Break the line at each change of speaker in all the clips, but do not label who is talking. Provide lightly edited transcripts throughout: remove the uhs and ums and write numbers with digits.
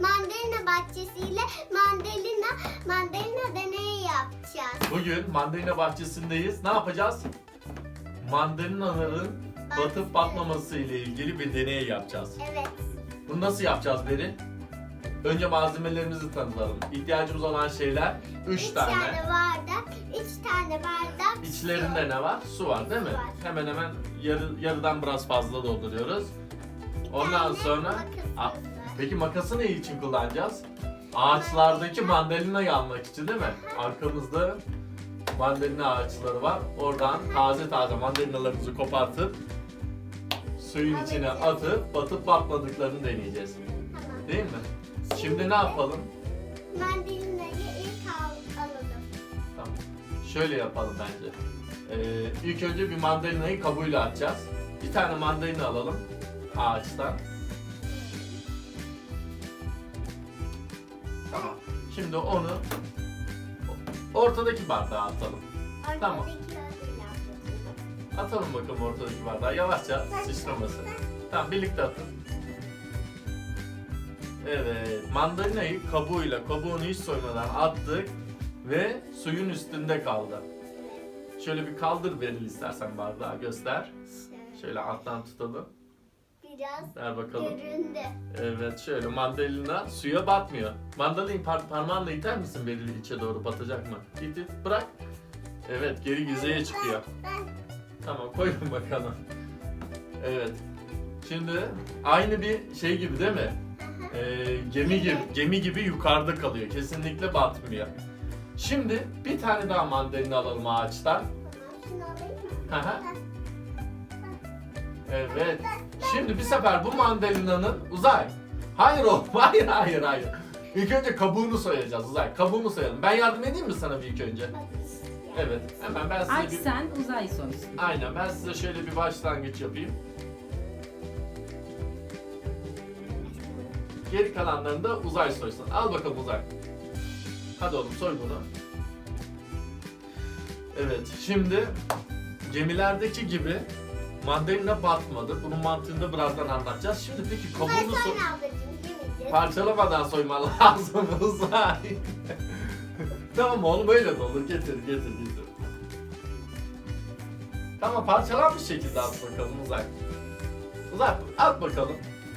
mandalina bahçesiyle mandalina deneyi yapacağız.
Bugün mandalina bahçesindeyiz. Ne yapacağız? Mandalinaların batıp batmaması ile ilgili bir deney yapacağız.
Evet.
Bunu nasıl yapacağız Beri? Önce malzemelerimizi tanıtalım. İhtiyacımız olan şeyler 3 tane.
3 tane bardak, 3 tane bardak
İçlerinde ne var? Su var değil mi?
Su var.
Hemen hemen yarıdan biraz fazla dolduruyoruz.
Bir
Ondan
tane
sonra
makasımız
Aa,
var.
peki makası ne için kullanacağız? Ağaçlardaki mandalinayı almak için değil mi? Arkamızda mandalina ağaçları var. Oradan taze mandalinalarımızı kopartıp suyun içine atıp batıp batmadıklarını deneyeceğiz.
Tamam.
Değil mi? Şimdi ne yapalım?
Mandalinayı ilk alalım.
Tamam. Şöyle yapalım bence. İlk önce bir mandalinayı kabuğuyla atacağız. Bir tane mandalina alalım ağaçtan. Tamam. Şimdi onu ortadaki bardağa atalım. Tamam.
Ortadaki ödül yapacağız.
Atalım bakalım ortadaki bardağa. Yavaşça sıçramasın. Tamam, birlikte atın. Evet, mandalinayı kabuğunu hiç soymadan attık ve suyun üstünde kaldı. Şöyle bir kaldır Beril istersen bardağı göster. Şöyle alttan tutalım.
Biraz
Ver bakalım.
göründü.
Evet, şöyle mandalina suya batmıyor. Mandalinayı parmağınla iter misin Beril, içe doğru batacak mı? İt, bırak. Evet, geri yüzeye çıkıyor. Tamam, koyun bakalım. Evet. Şimdi aynı bir şey gibi değil mi? Gemi gibi yukarıda kalıyor. Kesinlikle batmıyor. Şimdi bir tane daha mandalina alalım ağaçtan.
Tamam, şunu alayım mı?
Hı hı. Evet. Şimdi bir sefer bu mandalinanın Uzay. Hayır oğlum, hayır. İlk önce kabuğunu soyacağız Uzay. Kabuğunu soyalım. Ben yardım edeyim mi sana bir ilk önce? Evet. Hemen ben size
Aç sen, Uzay soysun.
Aynen, ben size şöyle bir başlangıç yapayım. Geri kalanlarını da Uzay soysun. Al bakalım Uzay. Hadi oğlum, soy bunu. Evet, şimdi gemilerdeki gibi mandalina batmadı. Bunun mantığını da birazdan anlatacağız. Şimdi peki kabuğunu soy...
Sonra ablacığım yemeyeceğiz.
Parçalamadan soyman lazım Uzay. Tamam oğlum, öyle de olur. Getir. Tamam, parçalanmış şekilde at bakalım Uzay. Uzay, at bakalım.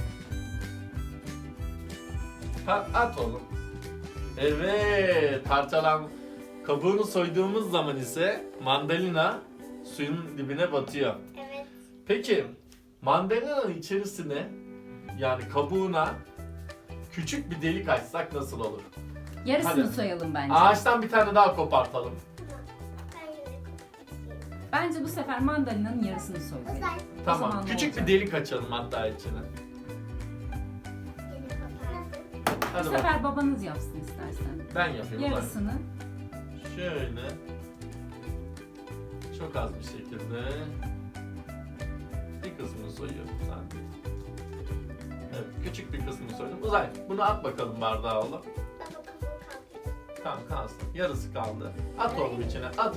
At oğlum. Evet, kabuğunu soyduğumuz zaman ise mandalina suyun dibine batıyor.
Evet.
Peki mandalinanın içerisine, yani kabuğuna küçük bir delik açsak nasıl olur?
Yarısını
Hadi.
soyalım bence.
Ağaçtan bir tane daha kopartalım.
Tamam. Ben yine kapatayım.
Bence bu sefer mandalinanın yarısını soyalım.
Uzay.
O
Tamam,
zaman ne
küçük
olacak?
bir delik açalım hatta içine.
Yine kapattım.
Bu
Hadi bak.
sefer babanız yapsın istersen.
Ben yapayım Uzay.
Yarısını.
Şöyle. Çok az bir şekilde. Bir kısmını soyuyorum sadece. Evet, küçük bir kısmını soydum. Uzay, bunu at bakalım bardağa oğlum.
Baba kabuğu kaldı.
Tamam, kalsın. Yarısı kaldı. At oğlum içine, at.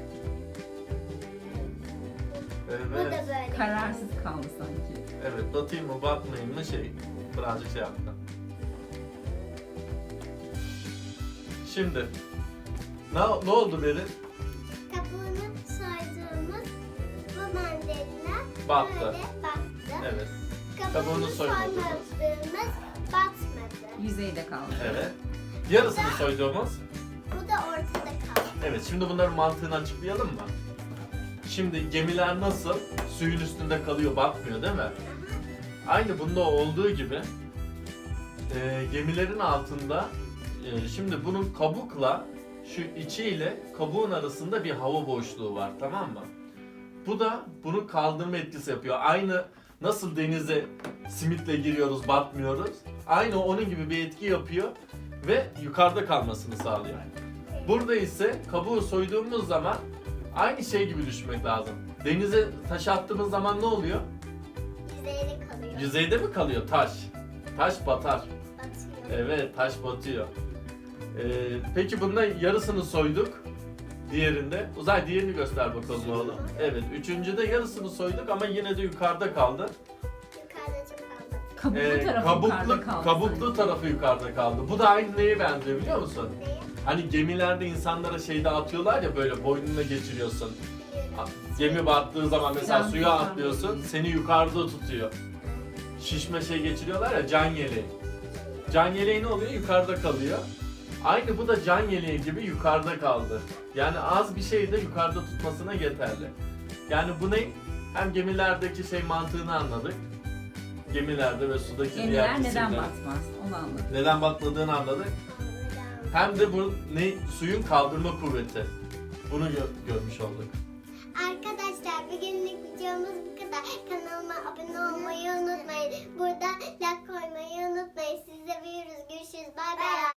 Bu da
Evet.
böyle.
Kararsız kaldı sanki.
Evet, batayım mı batmayayım mı birazcık şey yaptı. Şimdi ne oldu Beril?
Kabuğunu soyduğumuz bu mandalina
Battı.
böyle battı.
Evet.
Kabuğunu
soymadığımız.
soymadığımız batmadı.
Yüzeyde kaldı.
Evet. Yarısını soyduğumuz.
Bu da ortada kaldı.
Evet, şimdi bunların mantığını açıklayalım mı? Şimdi gemiler nasıl suyun üstünde kalıyor, batmıyor değil mi? Aynı bunda olduğu gibi gemilerin altında şimdi bunun kabukla şu içiyle kabuğun arasında bir hava boşluğu var, tamam mı? Bu da bunun kaldırma etkisi yapıyor. Aynı nasıl denize simitle giriyoruz, batmıyoruz. Aynı onun gibi bir etki yapıyor ve yukarıda kalmasını sağlıyor. Burada ise kabuğu soyduğumuz zaman aynı şey gibi düşünmek lazım. Denize taş attığımız zaman ne oluyor?
Yüzeyde kalıyor.
Yüzeyde mi kalıyor taş? Taş batar.
Batıyor.
Evet, taş batıyor. Peki bunda yarısını soyduk. Diğerinde. Uzay, diğerini göster bakalım oğlum. Evet, üçüncüde yarısını soyduk ama yine de yukarıda kaldı.
Yukarıda çok kaldı.
Kabuklu tarafı yukarıda kaldı.
kabuklu tarafı yukarıda kaldı. Bu da aynı neye benziyor biliyor musun?
Neye?
Hani gemilerde insanlara şey dağıtıyorlar ya, böyle boynuna geçiriyorsun. Gemi battığı zaman mesela
Can
suya
tutan.
atlıyorsun, seni yukarıda tutuyor. Şişme şey geçiriyorlar ya, can yeleği. Can yeleği ne oluyor? Yukarıda kalıyor. Aynı bu da can yeleği gibi yukarıda kaldı. Yani az bir şey de yukarıda tutmasına yeterli. Yani bu ne? Hem gemilerdeki şey mantığını anladık. Gemilerde ve sudaki diğer
Gemiler neden
cisimler.
batmaz? Onu anladım.
Neden batmadığını anladık. Hem de bu ne? Suyun kaldırma kuvveti. Bunu görmüş olduk.
Arkadaşlar bugünlük videomuz bu kadar. Kanalıma abone olmayı unutmayın. Burada like koymayı unutmayın. Sizi seviyoruz. Görüşürüz. Bay bay.